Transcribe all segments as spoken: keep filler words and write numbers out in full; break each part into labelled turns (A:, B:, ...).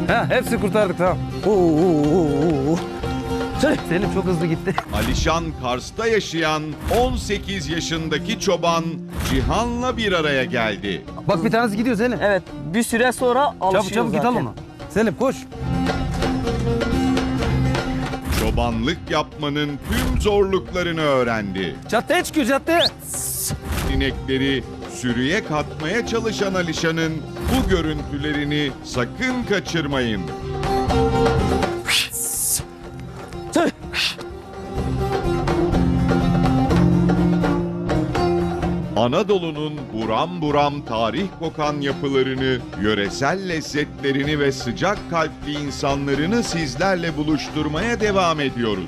A: Ha, hepsi kurtardık, tamam. Oo, oo, oo, oo. Selim çok hızlı gitti.
B: Alişan Kars'ta yaşayan on sekiz yaşındaki çoban Cihan'la bir araya geldi.
A: Bak bir tanesi gidiyor Selim.
C: Evet, bir süre sonra alışıyor
A: Çabuk çabuk git al
C: zaten.
A: onu. Selim koş.
B: Çobanlık yapmanın tüm zorluklarını öğrendi.
A: Caddeye çıkıyor, caddeye.
B: İnekleri sürüye katmaya çalışan Alişan'ın bu görüntülerini sakın kaçırmayın. Anadolu'nun buram buram tarih kokan yapılarını, yöresel lezzetlerini ve sıcak kalpli insanlarını sizlerle buluşturmaya devam ediyoruz.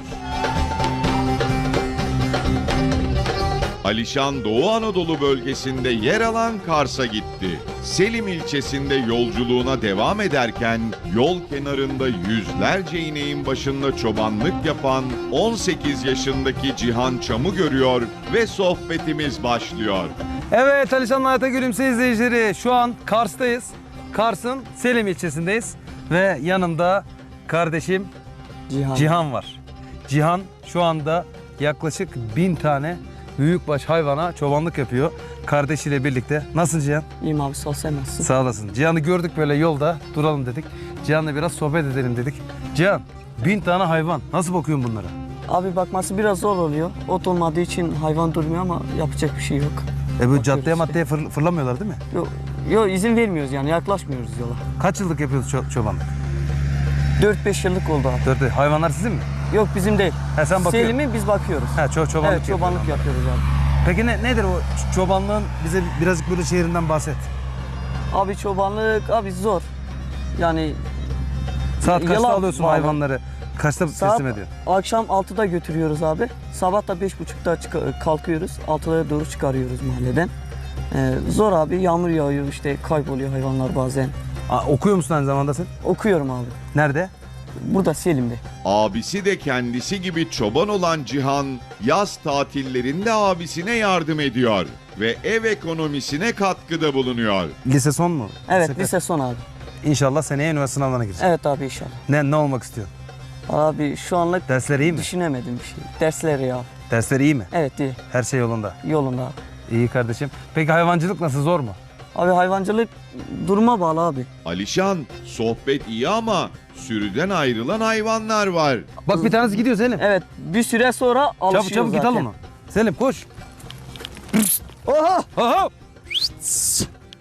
B: Alişan Doğu Anadolu bölgesinde yer alan Kars'a gitti. Selim ilçesinde yolculuğuna devam ederken yol kenarında yüzlerce ineğin başında çobanlık yapan on sekiz yaşındaki Cihan Çam'ı görüyor ve sohbetimiz başlıyor.
A: Evet Alişan'la Hayata Gülümse izleyicileri, şu an Kars'tayız. Kars'ın Selim ilçesindeyiz. Ve yanımda kardeşim
C: Cihan.
A: Cihan var. Cihan şu anda yaklaşık bin tane büyükbaş hayvana çobanlık yapıyor. Kardeşiyle birlikte. Nasılsın Cihan?
C: İyiyim abi, sağ ol, sen nasılsın?
A: Sağ olasın. Cihan'ı gördük böyle yolda, duralım dedik. Cihan'la biraz sohbet edelim dedik. Cihan, bin tane hayvan. Nasıl bakıyorsun bunlara?
C: Abi bakması biraz zor oluyor. Ot olmadığı için hayvan durmuyor ama yapacak bir şey yok.
A: E böyle
C: Bakıyoruz
A: caddeye
C: işte.
A: maddeye fır- fırlamıyorlar değil mi?
C: Yok, yo, izin vermiyoruz yani, yaklaşmıyoruz yola.
A: Kaç yıllık yapıyoruz ço- çobanlık?
C: dört beş yıllık oldu abi.
A: Dört, hayvanlar sizin mi?
C: Yok, bizim değil.
A: He, sen bakıyorsun.
C: Selim'i biz bakıyoruz.
A: Ha, ço- çobanlık
C: Evet, çobanlık
A: yapıyorsun.
C: yapıyoruz abi.
A: Peki ne, nedir o ç- çobanlığın? Bize birazcık böyle şehrinden bahset.
C: Abi çobanlık abi zor. Yani
A: Saat kaçta
C: Yalan
A: alıyorsun
C: bağlı.
A: hayvanları? Kaçta
C: saat
A: teslim ediyorsun?
C: akşam altıda götürüyoruz abi. Sabah da beş buçukta çık- kalkıyoruz. altıda doğru çıkarıyoruz mahalleden. Ee, zor abi, yağmur yağıyor işte, kayboluyor hayvanlar bazen.
A: Aa, okuyor musun aynı zamanda sen?
C: Okuyorum abi.
A: Nerede?
C: Burada Selim'de.
B: Abisi de kendisi gibi çoban olan Cihan, yaz tatillerinde abisine yardım ediyor ve ev ekonomisine katkıda bulunuyor.
A: Lise son mu?
C: Evet,
A: kaç?
C: lise son abi.
A: İnşallah seneye üniversite sınavlarına gireceksin.
C: Evet abi, inşallah.
A: Ne, ne olmak istiyorsun?
C: Abi şu anlık
A: Dersler iyi mi?
C: düşünemedim bir şey. Dersleri ya.
A: Dersler iyi mi?
C: Evet, iyi.
A: Her şey yolunda.
C: Yolunda abi.
A: İyi kardeşim. Peki hayvancılık nasıl, zor mu?
C: Abi hayvancılık duruma bağlı abi.
B: Alişan, sohbet iyi ama sürüden ayrılan hayvanlar var.
A: Bak bir tanesi gidiyor Selim.
C: Evet, bir süre sonra alışıyor
A: Çabuk çabuk
C: zaten.
A: git al onu. Selim koş.
C: Oha!
A: Aha!